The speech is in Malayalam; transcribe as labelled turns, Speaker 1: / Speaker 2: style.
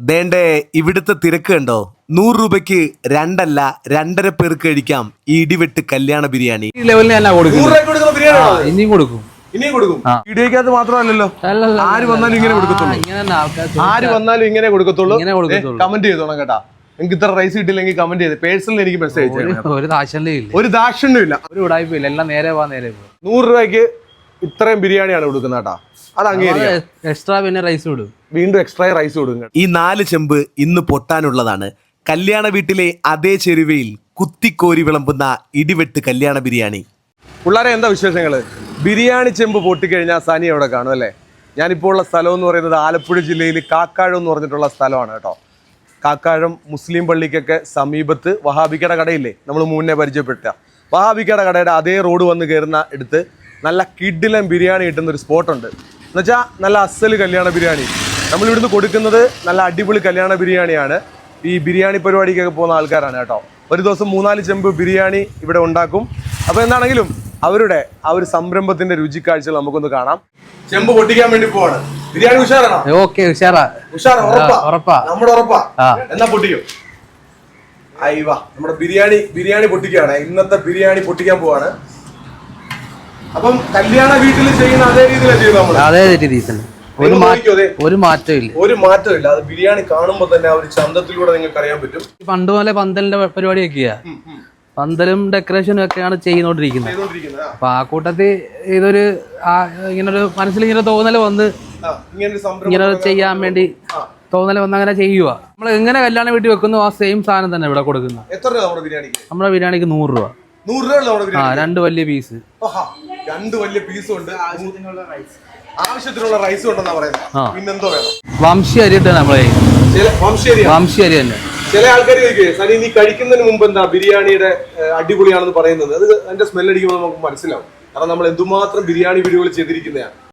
Speaker 1: ദേണ്ടേ ഇവിടുത്തെ തിരക്ക് കണ്ടോ? 100 രൂപയ്ക്ക് രണ്ടല്ല 2.5 പേർക്ക് കഴിക്കാം ഈ ഇടിവെട്ട് കല്യാണ ബിരിയാണി.
Speaker 2: ഈ ലെവലിൽ ഞാൻ കൊടുക്കും.
Speaker 3: 100 രൂപയ്ക്ക് കൊടുക്കുന്ന ബിരിയാണി
Speaker 2: ഇനിയും കൊടുക്കും.
Speaker 3: ഇനിയും കൊടുക്കും. വീഡിയോക്കകത്ത് മാത്രമല്ലല്ലോ, ആര് വന്നാലും ഇങ്ങനെ കൊടുക്കത്തുള്ളൂ. ആര് വന്നാലും ഇങ്ങനെ കൊടുക്കത്തുള്ളൂ. കമന്റ് ചെയ്തോണം കേട്ടാ. എനിക്ക് ഇത്ര റൈസ് കിട്ടില്ലെങ്കിൽ കമന്റ് ചെയ്ത് പേഴ്സണൽ എനിക്ക് മെസ്സേജ്
Speaker 2: ഒരു ദാക്ഷിണ്യം
Speaker 3: ഒരു ദാക്ഷിണ്യമില്ല,
Speaker 2: ഒരു ഉടായ്പയില്ല, എല്ലാം നേരെ പോ.
Speaker 3: 100 രൂപയ്ക്ക് ഇത്രയും ബിരിയാണിയാണ് കൊടുക്കുന്നത് കേട്ടാ. അത് അംഗീകരിക്കാം.
Speaker 2: എക്സ്ട്രാ പിന്നെ റൈസ് വിടും,
Speaker 3: വീണ്ടും എക്സ്ട്രാ റൈസ് കൊടുക്കും.
Speaker 1: ഈ 4 ചെമ്പ് ഇന്ന് പൊട്ടാനുള്ളതാണ്. കല്യാണ വീട്ടിലെ അതേ ചെരുവയിൽ കുത്തിക്കോരി വിളമ്പുന്ന ഇടിവെട്ട് കല്യാണ ബിരിയാണി.
Speaker 3: പിള്ളേരെ എന്താ വിശേഷങ്ങള്? ബിരിയാണി ചെമ്പ് പൊട്ടിക്കഴിഞ്ഞാൽ സനി അവിടെ കാണും അല്ലേ? ഞാനിപ്പോൾ ഉള്ള സ്ഥലം എന്ന് പറയുന്നത് ആലപ്പുഴ ജില്ലയിൽ കാക്കാഴം എന്ന് പറഞ്ഞിട്ടുള്ള സ്ഥലമാണ് കേട്ടോ. കാക്കാഴം മുസ്ലിം പള്ളിക്കൊക്കെ സമീപത്ത് വഹാബിക്കയുടെ കടയില്ലേ, നമ്മൾ മുന്നേ പരിചയപ്പെട്ട വഹാബിക്കയുടെ കടയുടെ അതേ റോഡ് വന്ന് കയറുന്ന എടുത്ത് നല്ല കിഡിലൻ ബിരിയാണി കിട്ടുന്ന ഒരു സ്പോട്ടുണ്ട്. എന്നുവെച്ചാൽ നല്ല അസല് കല്യാണ ബിരിയാണി. നമ്മളിവിടുന്ന് കൊടുക്കുന്നത് നല്ല അടിപൊളി കല്യാണ ബിരിയാണിയാണ്. ഈ ബിരിയാണി പരിപാടിക്കൊക്കെ പോകുന്ന ആൾക്കാരാണ് കേട്ടോ. ഒരു ദിവസം 3-4 ചെമ്പ് ബിരിയാണി ഇവിടെ ഉണ്ടാക്കും. അപ്പോൾ എന്താണെങ്കിലും അവരുടെ ആ ഒരു സംരംഭത്തിന്റെ രുചിക്കാഴ്ചകൾ നമുക്കൊന്ന് കാണാം. ചെമ്പ് പൊട്ടിക്കാൻ വേണ്ടി പോവാണ്. ബിരിയാണി ഉഷാറാണോ?
Speaker 2: ഓക്കെ, ഉഷാറാ.
Speaker 3: ഉറപ്പാ? നമ്മുടെ ഉറപ്പാ. എന്നാ പൊട്ടിക്കും. അയ്യവാ, നമ്മുടെ ബിരിയാണി പൊട്ടിക്കുകയാണ്. ഇന്നത്തെ ബിരിയാണി പൊട്ടിക്കാൻ പോവാണ്. അപ്പം കല്യാണ വീട്ടിൽ ചെയ്യുന്ന അതേ രീതിയിലാണ് ചെയ്യുന്നത് നമ്മൾ.
Speaker 2: അതേ രീതിയിൽ ഒരു
Speaker 3: മാറ്റമില്ല. അത് ബിരിയാണി കാണുമ്പോൾ തന്നെ ആ ഒരു ചന്തത്തിലൂടെ നിങ്ങൾക്ക് അറിയാൻ പറ്റും.
Speaker 2: പണ്ട് പോലെ പന്തലിന്റെ പരിപാടിയൊക്കെയാ, പന്തലും ഡെക്കറേഷനും ഒക്കെയാണ് ചെയ്തുകൊണ്ടിരിക്കുന്നത്. അപ്പൊ ആ കൂട്ടത്തിൽ ഇതൊരു ഇങ്ങനൊരു മനസ്സിൽ ഇങ്ങനെ തോന്നല് വന്ന് ഇങ്ങനെ ചെയ്യാൻ വേണ്ടി തോന്നല് വന്ന് അങ്ങനെ ചെയ്യുക. നമ്മൾ എങ്ങനെ കല്യാണ വീട്ടിൽ വെക്കുന്നു ആ സെയിം സാധനം തന്നെ ഇവിടെ കൊടുക്കുന്നത്. നമ്മുടെ ബിരിയാണിക്ക് 100 രൂപ. 2 വലിയ പീസ്.
Speaker 3: 2 വലിയ പീസും ഉണ്ട്. ആവശ്യത്തിനുള്ള റൈസും ഉണ്ടെന്നാ പറയുന്നത്. പിന്നെന്തോ വേണം?
Speaker 2: വംശി അരി ഇട്ടാണ് നമ്മളെ. വംശി അരി തന്നെ.
Speaker 3: ചില ആൾക്കാർ ചോദിക്കുക, സനി നീ കഴിക്കുന്നതിന് മുമ്പ് എന്താ ബിരിയാണിയുടെ അടിപൊളിയാണെന്ന് പറയുന്നത്? അത് അതിന്റെ സ്മെൽ അടിക്കുമ്പോൾ നമുക്ക് മനസ്സിലാവും. കാരണം നമ്മൾ എന്തുമാത്രം ബിരിയാണി വീഡിയോകൾ ചെയ്തിരിക്കുന്നതാണ്.